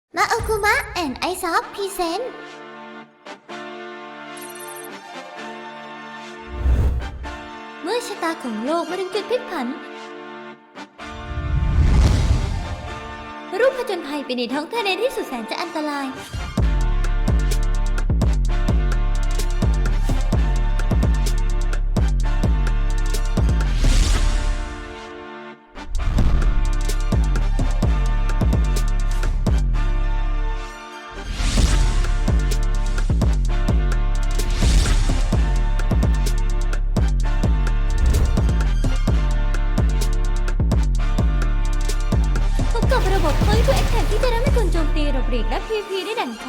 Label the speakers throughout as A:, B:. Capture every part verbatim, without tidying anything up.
A: มาโอคุมะแอนไอซอฟพรีเซนต์เมื่อชะตาของโลกมาถึงจุดพลิกผันรูปผจญภัยไปในท้องทะเลที่สุดแสนจะอันตรายกับระบบPoint to Attackที่จะทำให้คุณโจมตีหลบหลีกและ พี วี พี ได้ดั่งใจ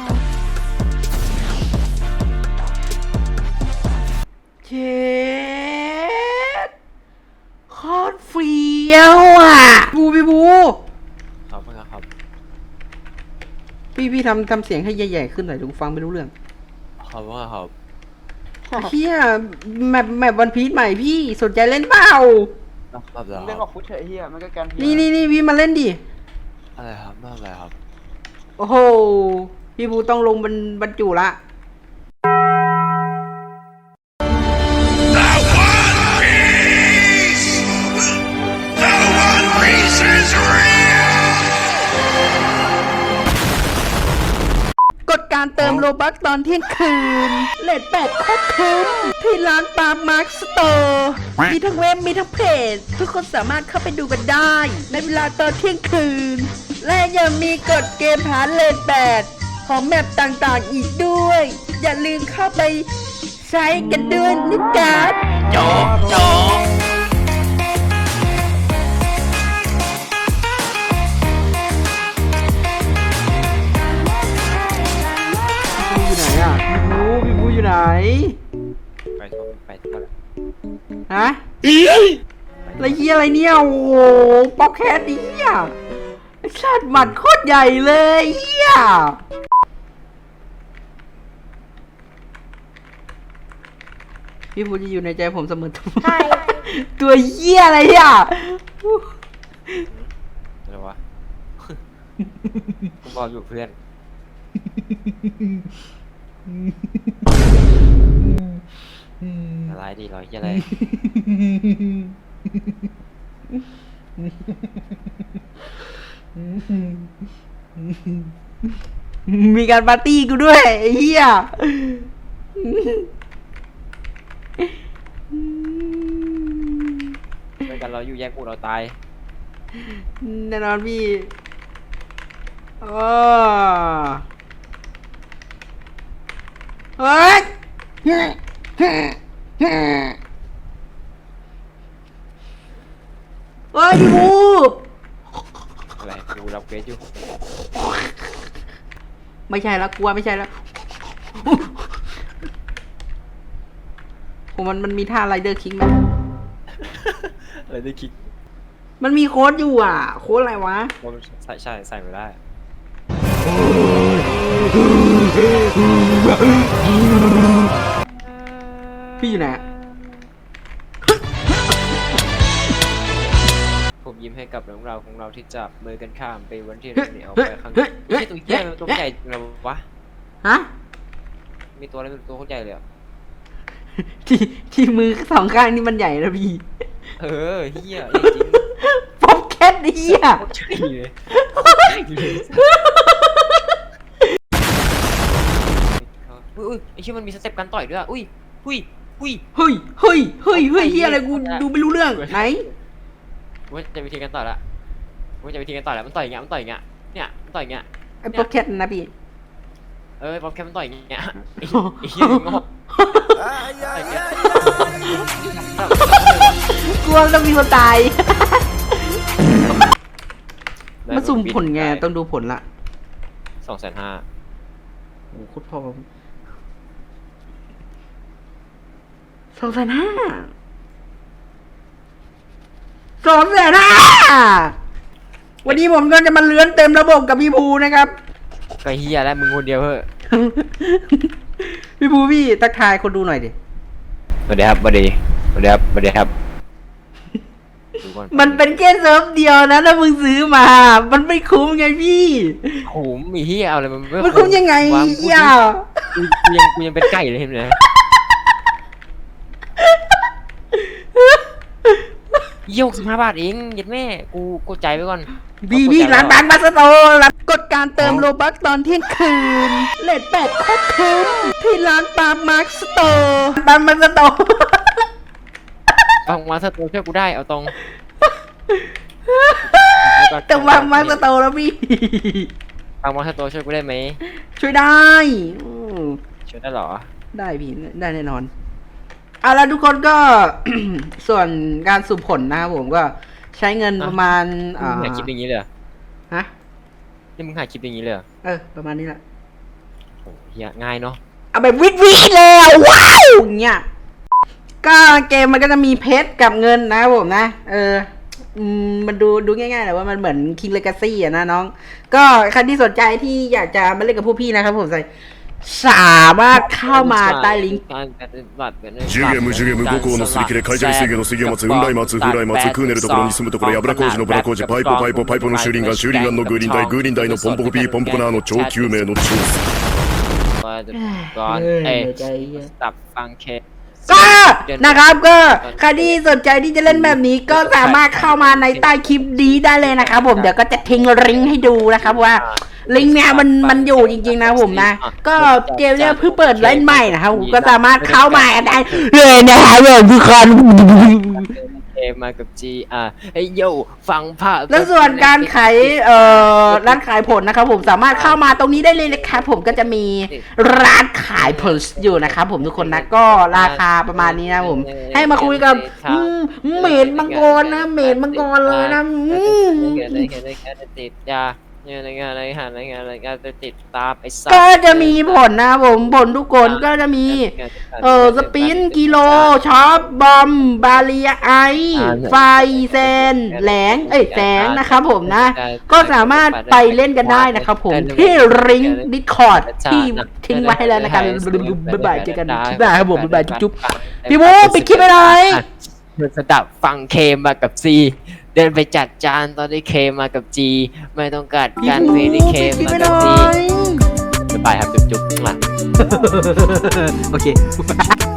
B: เช็ดโคตรเฟี้ยวอ่ะบูพี่บู
C: ครับครับ
B: พี่พี่ทำทำเสียงให้ใหญ่ๆขึ้นหน่อยดูฟังไม่รู้เรื่อง
C: ครับว่าครับ
B: เฮียแมปแมปวันพีชใหม่พี่สนใจเล่นเปล่า
C: ครับแล้ว
D: เล่นออกฟุตเถอะเฮียมันก็การ
B: นี่นี่นี่พี่มาเล่นดิ
C: อะไรครับไม่อะไรครับ
B: โอ้โหพี่บูต้องลงบรรบรรจุละกดการเติมโลบัคตอนเที่ยงคืนเลทแปดโคตรคุ้มที่ร้านปาล์มมาร์คสโตร์มีทั้งเว็บมีทั้งเพจทุกคนสามารถเข้าไปดูกันได้ในเวลาตอนเที่ยงคืนและยังมีกดเกมหาเลทแปดของแมปต่างๆอีกด้วย อย่าลืมเข้าไปใช้กันด้วยนะจ๊ะ
C: โจ๊กโจ๊ก
B: อยู่ไหนอ่ะพี่บูพี่บูอยู่ไหน
C: ไปทั่วไปทั่วเลย
B: ฮะอะไรเหี้ยอะไรเนี่ยโอ้โหป๊อกแคสดิเหี้ยไอ้สัตว์หมัดโคตรใหญ่เลยเหี้ยพี่บูจะอยู่ในใจผมเสมอตัวเหี้ยอะไรอ่ะ
C: อะไรวะกูบอกอยู่เพื่อนอะไรดีร้อยอะไร
B: มีการปาร์ตี้กูด้วยไอ้เหี้ย
C: ด้วยกันเราอยู่แยกกูเราตาย
B: แน่นอนพี่โอ้เฮ้ยเฮ้ยพี่บู
C: อะไรกูรับเกรดอยู่
B: ไม่ใช่แล้วกลัวไม่ใช่แล้วผมมันมันมีท่าไรเดอร์คิกไหม
C: อะไรได้คิก
B: มันมีโค้ดอยู่อ่ะโค้ดอะไรวะ
C: ใส่ใช่ใส่ไม่ได้
B: พี่อยู่ไหน
C: ผมยิ้มให้กับเรื่องราวของเราที่จับมือกันข้ามไปวันที่เราเนี่ยเอาไปข้างไม่ใช่ตัวใหญ่ตัวใหญ่เราวะ
B: ฮะ
C: มีตัวอะไรเป็นตัวโคตรใหญ่เลยอ่ะ
B: ที่ที่มือสองข้างนี่มันใหญ่นะพี่
C: เออเฮียจริง
B: ป๊อปแคทเฮีย
C: ใช่เลยอุ้ยไอชื่อมันมีสเต็ปการต่อยด้วยอ่ะอุ้ยอุ้ยอุ้ย
B: เฮ้ยเฮ้ยเฮ้ยเฮ้ยเฮียอะไรกูดูไม่รู้เรื่องไหน
C: ว่าจะวิธีการต่อยละว่าจะวิธีการต่อยละมันต่อยอย่างเงี้ยมันต่อยอย่างเงี้ยเนี่ยมันต่อยอย่างเงี้ย
B: ไอ้ป๊อปแคทนะพี่
C: เออป๊อปแคทมันต่อยอย่างเงี้ยไอ้เหี้ยงอก
B: กลัวต้องมีคนตายมาสุ่มผลไงต้องดูผลละ
C: สองแสนห้า
B: โอ้โหโคตรพอสองแสนห้าสองแสนห้าวันนี้ผมก็จะมาเลื้อนเต็มระบบกับพี่ภูนะครับ
C: ก็เฮียแล้วมึงคนเดียวเพ้อ
B: พี่ภูพี่ทักทายคนดูหน่อยดิ
C: สวัสดีครับสวัสดีสวัสดีครับสวัสดีครับก่อน
B: มันเป็นแค่เซิร์ฟเดียวนะแล้วมึงซื้อมา มันไม่คุ้มไงพี่
C: โหมีที่เอาอะไรมัน
B: มันคุ้มยังไง
C: วางกู
B: อย่า
C: กูกูยังกูยังเป็นไก่เลยเห็นไหมยี่หกสิบห้าบาทเองเย็ดแม่กูกูใจายไปก่อน
B: บีบีร้านบางมาสโตรับกดการเติมโลบัคตอนเที่ยงคืนเลทแปดโคตรคุ้มที่ร้านปามาร์คสโตร์ปามาร์คสโตร์
C: ฟังมาสตูช่วยกูได้เอาตรง
B: แต่ปามาร์คสโตร์แล้วพี่
C: ฟังมาสตูช่วยกูได้ไหม
B: ช่วยได้อืม
C: ช่วยได้เหรอ
B: ได้พี่ได้แน่นอนเอาละทุกคนก็ ส่วนการสุ่มผลนะครับผมก็ใช้เงินประมาณ
C: มึงหาคลิปอย่างนี้เลยเหรอ
B: ฮะ
C: นี่มึงหาคลิปอย่างนี้เลยเหรอ
B: เออประมาณนี้แหละ
C: โหเฮียง่ายเนาะ
B: เอาแบบวิดวิดเลยอะว้าวอย่างเงี้ยก็เกมมันก็จะมีเพชรกับเงินนะครับผมนะ เอออืมมันดูดูง่ายๆแต่ว่ามันเหมือน King Legacy อะนะน้อง ก็ใครที่สนใจที่อยากจะมาเล่นกับพวกพี่นะครับผมใส่สามารถเข้ามาใต้ลิงก์
D: ジュゲムジュゲム五行のすり切れ海上水魚の水魚松雲来松風来松クーネルところに住むところやぶら工事のブラ工事パイポパイポパイポの修輪岩修輪岩のグーリンダイグーリンダイのポンポコピーポンポコナーの超救命の超
C: ก่อนเอ้ยตับฟังเค
B: ก็นะครับก็ใครที่สนใจที่จะเล่นแบบนี้ก็สามารถเข้ามาในใต้คลิปนี้ได้เลยนะครับผมเดี๋ยวก็จะทิ้งลิงก์ให้ดูนะครับว่าลิงก์เนี่ยมันมันอยู่จริงๆนะผมนะก็เกมเนี่ยเพิ่งเปิดเล่นใหม่นะครับผมก็สามารถเข้ามาได้เลยนะครับผมทุกคน
C: เอมากับจีอ่ะไอ้โยฟังภาพ
B: แล้วส่วนการขายเอ่อร้านขายผลนะครับผมสามารถเข้ามาตรงนี้ได้เลยนะครับผมก็จะมีร้านขายผลอยู่นะครับผมทุกคนนะก็ราคาประมาณนี้นะผมให้มาคุยกับอืมเมดมังกรนะเมดมังกรเลยนะอืม
C: เกิดอะไรเกิดอะไรเกิดอะไรติดยาเนี่ยอะไรงานอะไรหาอะไรงานอะไรงานจะติดตามไอ้สัตว์
B: ก็จะมีผลนะครับผมผลทุกคนก็จะมีเออสปินกิโลช็อปบอมบาเรียไอไฟเซนแหลงเอ้ยแสงนะครับผมนะ ก็สามารถไปเล่นกันได้นะครับผมที่ริงดิสคอร์ดที่ทิ้งไว้ให้แล้วนะครับบ๊ายบายเจอกันบ๊ายบายครับผมบ๊ายบายจุ๊บๆพี่บูปิดคลิปไปเลย
C: สดับฟังเคมากับซีเดินไปจัดจานตอนที่เคมากับจีไม่ต้องการการเพลย์ที่เคมากับจีบ๊ายบายครับจุ๊บๆข้างหลัง
B: โอเค